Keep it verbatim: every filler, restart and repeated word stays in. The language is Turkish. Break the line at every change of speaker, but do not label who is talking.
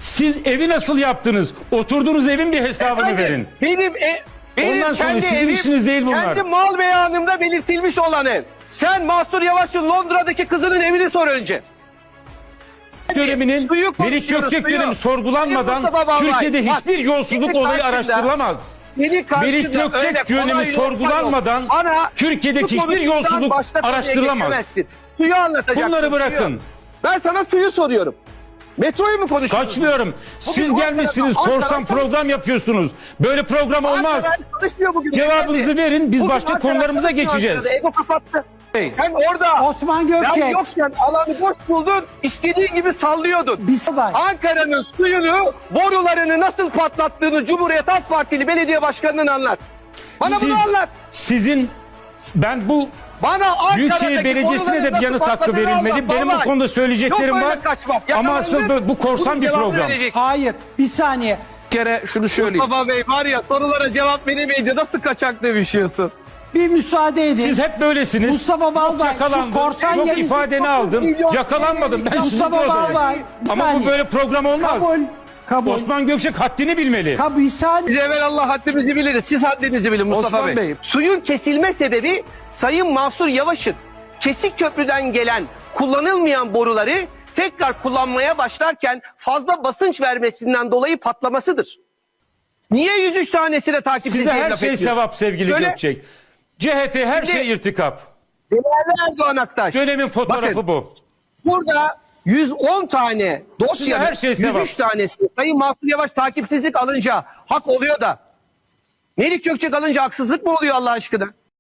Siz evi nasıl yaptınız? Oturduğunuz evin bir hesabını
Efendim,
verin.
Benim, e, benim
Ondan sonra
kendi
sizin
evim,
işiniz değil bunlar.
kendi mal beyanımda belirtilmiş olan ev. Sen Mahsur Yavaş'ın Londra'daki kızının evini sor önce.
Döneminin
Suyu
Melik
konuşuyoruz,
Gökçek
suyu.
dönemi sorgulanmadan
Mustafa Balbay,
Türkiye'de
bak,
hiçbir yolsuzluk
senin
olayı
karşında-
araştırılamaz.
Senin karşında
Melik
öyle
Gökçek
kolay
dönemi
lokma
sorgulanmadan
yok. Bana
Türkiye'deki
şu
hiçbir
konuşmadan
yolsuzluk
başka konuya
araştırılamaz.
geçemezsin. Suyu anlatacaksın.
Bunları bırakın.
Suyu. Ben sana suyu soruyorum. Metroyu mu konuşuyorsun?
Kaçmıyorum. Siz
Bugün
gelmişsiniz
Ankara'da-
korsan
Ankara-
program yapıyorsunuz. Böyle program olmaz.
Ankara çalışmıyor bugün.
Cevabınızı verin, biz
Bugün
başka
Ankara
konularımıza
çalışmıyor
geçeceğiz.
Ankara'da, Ego kapattı. Sen orada
Osman
sen
Gökçek.
yokken alanı boş buldun, istediğin gibi sallıyordun.
Bir bay.
Ankara'nın suyunu, borularını nasıl patlattığını Cumhuriyet Halk Partili belediye başkanının anlat. Bana
Siz,
bunu anlat.
sizin ben bu
Bana Ankara'daki
Büyükşehir Belediyesi'ne de
boruların
bir yanıt
nasıl
hakkı
patladığını
verilmeli.
anlat,
Benim bu
vallahi.
konuda söyleyeceklerim
Yok
var.
öyle kaçmak.
Ama asıl
Yakalandın,
bu, bu korsan
bunun
bir
cevabını
program.
vereceksin.
Hayır, bir saniye.
Bir kere şunu söyleyeyim.
Baba Bey var ya, sorulara cevap veremeyince nasıl kaçak demişiyorsun?
Bir müsaade edin.
Siz hep böylesiniz.
Mustafa Balbay,
Yok yakalandım,
şu korsan
yok
yayın-
ifadeni aldım.
milyon-
Yakalanmadım. Ben sizi
Mustafa
gördüm.
Balbay, bir
Ama bu
saniye.
böyle program olmaz.
Kabul. Kabul.
Osman Gökçek haddini bilmeli.
Kabul. Bir saniye.
Biz evvelallah haddimizi biliriz. Siz haddinizi bilin Mustafa
Osman
Bey.
Bey.
Suyun kesilme sebebi Sayın Mahsur Yavaş'ın kesik köprüden gelen kullanılmayan boruları tekrar kullanmaya başlarken fazla basınç vermesinden dolayı patlamasıdır. Niye yüz üç tanesine takipsiz
Size her
laf
şey
ediyorsun?
sevap sevgili
Söyle.
Gökçek. C H P her
Şimdi-
şey irtikap.
Değerli Erdoğan Aktaş.
Dönemin fotoğrafı
Bakın,
bu.
Burada yüz on tane dosyanın
her şey
yüz
sevap.
üç tanesi Sayın Mahsur Yavaş takipsizlik alınca hak oluyor da Melik Gökçek alınca haksızlık mı oluyor Allah aşkına?